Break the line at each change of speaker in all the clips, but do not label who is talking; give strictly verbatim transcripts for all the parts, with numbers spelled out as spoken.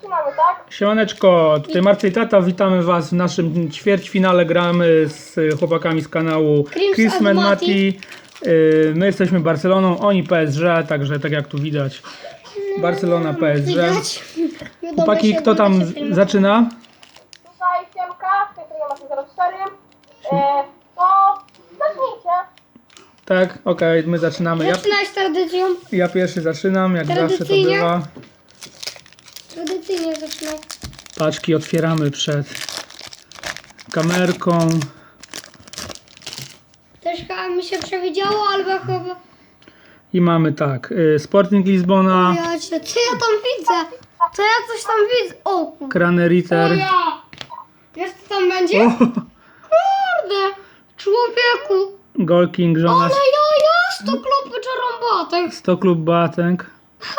zaczynamy, tak?
Siemaneczko, tutaj Marcel i Tata, witamy was w naszym ćwierćfinale. Gramy z chłopakami z kanału
Crims
Chrisman
and
Mati. Yy, My jesteśmy Barceloną, oni P S G, także tak jak tu widać. Barcelona, P S G.
Widać.
Chłopaki, kto tam z- zaczyna?
Tutaj Siemka, z tej strony macie zero cztery. E, to zacznijcie.
Tak, okej, my zaczynamy. Ja,
Zaczynać tradycją.
ja pierwszy zaczynam, jak zawsze to
Tradycyjnie.
bywa.
Tradycyjnie zaczynać.
Paczki otwieramy przed kamerką.
Też chyba mi się przewidziało, albo chyba...
I mamy tak, yy, Sporting Lizbona,
Ja cię, co ja tam widzę? Co ja coś tam widzę? O kurde.
Kraneriter.
O ja. Wiesz co tam będzie?
O,
Kurde. Człowieku.
Goal King,
Ale
Jonas,
ja, ja, sto klopy czarąbatek.
sto klub Batek.
Ha.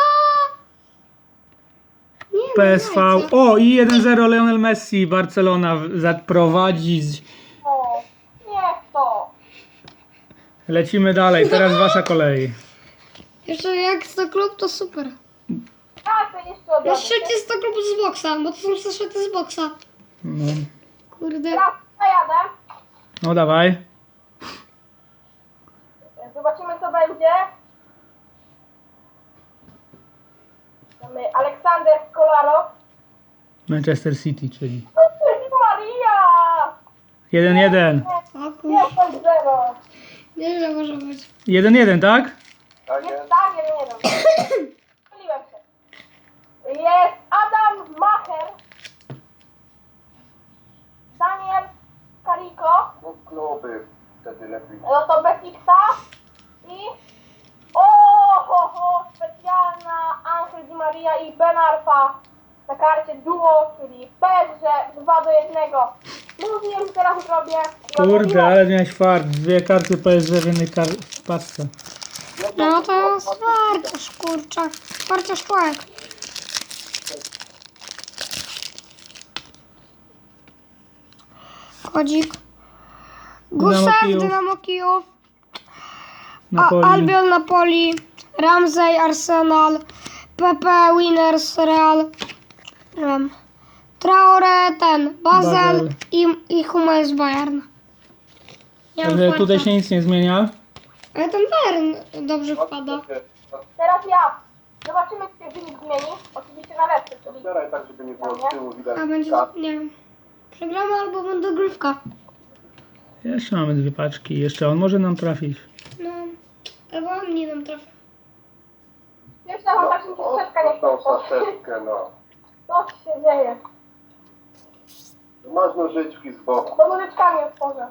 Nie, no,
P S V.
jajca.
O, i jeden zero Lionel Messi. Barcelona w- zaprowadzi.
O, niech to.
Lecimy dalej. Teraz wasza kolej.
Jeszcze jak sto klub to super.
Tak, to jeszcze od
Na
razu.
szczycie sto klub z boksa, bo to są zeszyty z boksa.
No,
Kurde.
Teraz zajadę.
no dawaj.
Zobaczymy co będzie. Mamy Aleksander Kolaro.
Manchester City, czyli.
Maria!
jeden jeden.
O kurde.
jeden zero.
Nie, że może być.
jeden jeden, tak?
Jest tak, jeden jeden. Myliłem się. Jest Adam Macher. Daniel Carico.
No kluby wtedy lepiej.
No to Besikta. I... O, ho, ho, specjalna Angel Di Maria i Ben Arfa na karcie duo, czyli P S G dwa do jednego. Mówiłem, że teraz zrobię. I
Kurde,
odmówiłem.
ale miałeś fart. Dwie karty P S G w jednej kar- w paczce.
No to jest wartość, kurczę. Wartość szkłek. Kodzik. Gusev,
Kijów.
Dynamo Kijów. A,
Napoli.
Albion Napoli. Ramsey Arsenal. Pepe Winners Real. Nie wiem. Traore ten. Basel,
Basel.
i, i Hummels Bayern. Nie mam
Także tutaj
farta.
się nic nie zmienia.
Ale ten Bayern dobrze wpada.
Teraz ja. Zobaczymy, czy się wynik zmieni. Oczywiście na lepszy, czyli
Otwieraj tak, żeby nie było z tyłu widać.
A będzie, nie wiem. Przegramy albo będę grywka.
Jeszcze mamy dwie paczki. Jeszcze on może nam trafić.
No. Albo on nie nam trafi.
jeszcze mam tak, że mi się strzeczka nie
Tą
chce.
saszetkę, no.
Co się dzieje?
Masz nożyczki z boku.
To nożyczkami otworzę.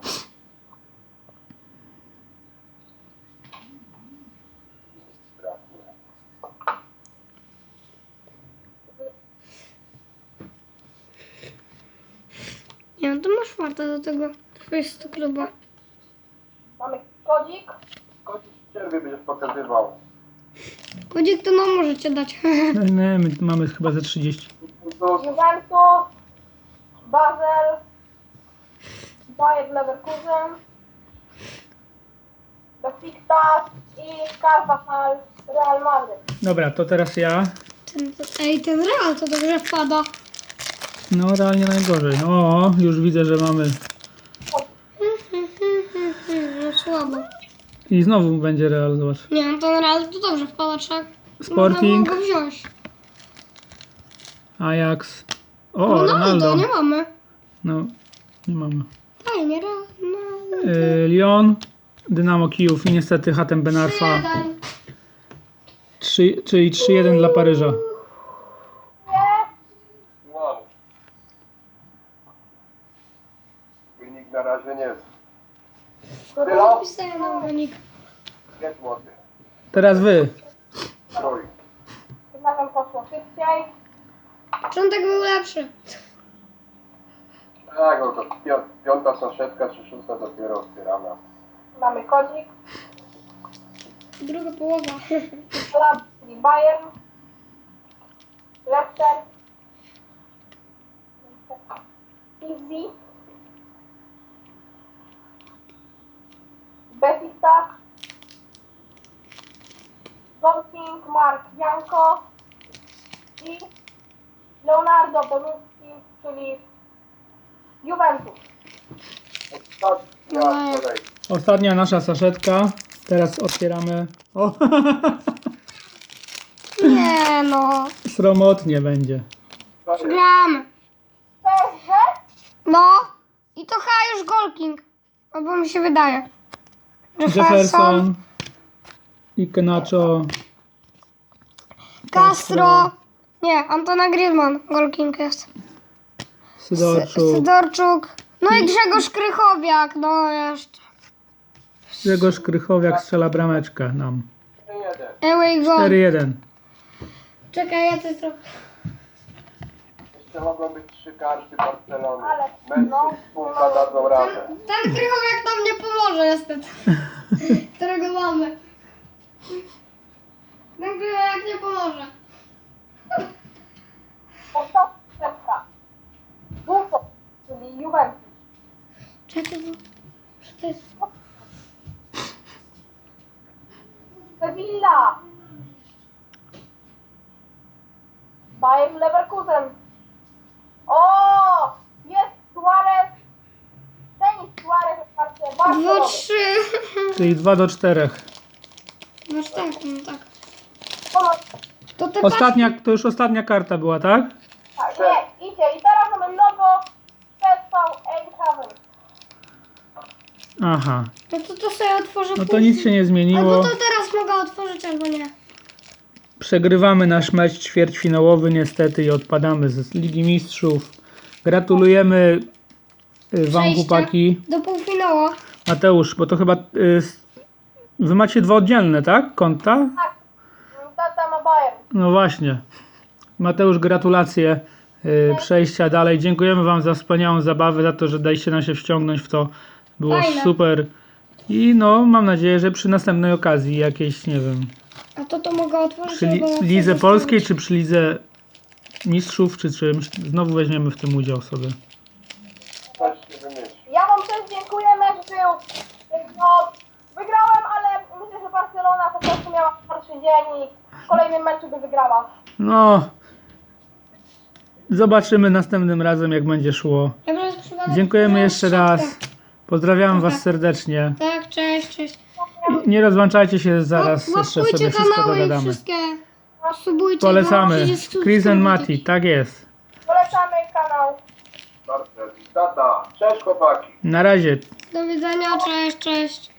Nie wiem, to masz farta do tego. Twojego kluba.
Mamy kodzik.
Kończysz w przerwie będziesz pokazywał.
Kodzik to nam możecie dać.
No, nie, my mamy chyba ze trzydzieści.
To
Juventus. Basel. Bayer Leverkusen. Besiktas i Carvajal Real Madrid.
Dobra, to teraz ja.
Ten, ej, ten Real to dobrze wpada.
No realnie najgorzej. O, już widzę, że mamy.
No słabo.
I znowu będzie Real, zobacz.
Nie no, ten Real to dobrze wpada, trzeba.
Sporting.
Można było go wziąć.
Ajax. O,
Ronaldo,
Ronaldo.
nie mamy.
No, nie mamy.
Fajnie, Ronaldo.
Yy, Lyon, Dynamo Kijów i niestety Hatem Ben Arfa.
Jeden.
trzy, czyli trzy jeden dla Paryża.
Nie.
wow. Wynik na razie nie jest. Tyle?
Pisaję na wynik.
Jest młody.
Teraz wy.
Trój.
Tym razem poszło szybciej.
Początek był lepszy.
Tak, no to pią- piąta saszetka czy szósta dopiero otwierana.
Mamy kodzik.
Druga połowa.
Lab, czyli Bayern. Leicester. Easy. Besiktas. Sporting, Mark Janko i Leonardo Bonucci, czyli Juventus.
Ostatnia kolej.
Ostatnia nasza saszetka. Teraz otwieramy. O,
Nie no.
sromotnie będzie.
Gramy.
P S G?
No. I to chyba już Golking. Albo mi się wydaje.
Jefferson. Ikenacho.
Castro. Nie, Antona Griezmann. Golking jest.
Sydorczuk.
Sydorczuk. No i Grzegorz Krychowiak. No jeszcze.
Grzegorz Krychowiak strzela brameczkę nam.
jeden.
Away goal.
cztery jeden.
Czekaj, ja coś trochę.
Jeszcze mogą być trzy karty Barcelony.
Ale-
Messi,
no.
spółka dadzą radę.
Ten Krychowiak nam nie pomoże niestety. Którego mamy. Ten Krychowiak nie pomoże.
Ostatnia. Buffon, czyli Juventus.
Czekaj, bo... Co to jest?
Sevilla. Bayern Leverkusen. O! Jest Suarez. Denis Suarez w karcie
Dwa,
Barcelony.
trzy.
Czyli dwa do czterech.
Masz tak, no tak.
Ponad-
To te
Ostatnia, to już ostatnia karta była, tak?
Tak, nie, idzie. I teraz mamy logo P S V Eindhoven.
Aha.
No to to sobie otworzę
No to
później.
nic się nie
Albo
zmieniło.
to teraz mogę otworzyć, albo nie.
Przegrywamy nasz mecz ćwierćfinałowy niestety i odpadamy z Ligi Mistrzów. Gratulujemy y, wam,
Przejścia
chłopaki.
do półfinału.
Mateusz, bo to chyba... Y, s- wy macie dwa oddzielne, tak? Konta?
Tak. Tata ma Bayern.
No właśnie. Mateusz, gratulacje y, przejścia dalej. Dziękujemy wam za wspaniałą zabawę, za to, że daliście nam się wciągnąć w to. Było
Fajne.
super. I no, mam nadzieję, że przy następnej okazji jakiejś, nie wiem,
A to to mogę otworzyć,
przy li-
albo chcę
Lidze
zostawić.
Polskiej, czy przy Lidze Mistrzów, czy czymś, znowu weźmiemy w tym udział sobie.
Coś się wymyśli.
Ja wam też dziękuję, mecz był. No, wygrałem, ale myślę, że Barcelona po prostu miała gorszy dzień i w kolejnym meczu by wygrała.
No, zobaczymy następnym razem, jak będzie szło.
Ja teraz przypadam-
Dziękujemy
teraz
jeszcze
szatkę.
raz. Pozdrawiam was
Tak.
serdecznie.
Tak, cześć, cześć.
Nie rozłączajcie się, zaraz
Łap-
jeszcze
łapkujcie
sobie wszystko
kanały i
dogadamy.
wszystkie. Subujcie.
Polecamy.
bo przecież
Chris and
subskrypcji.
Mati, tak jest.
Polecamy kanał.
Barcelona. Tata. Cześć chłopaki.
Na razie.
Do widzenia, cześć, cześć.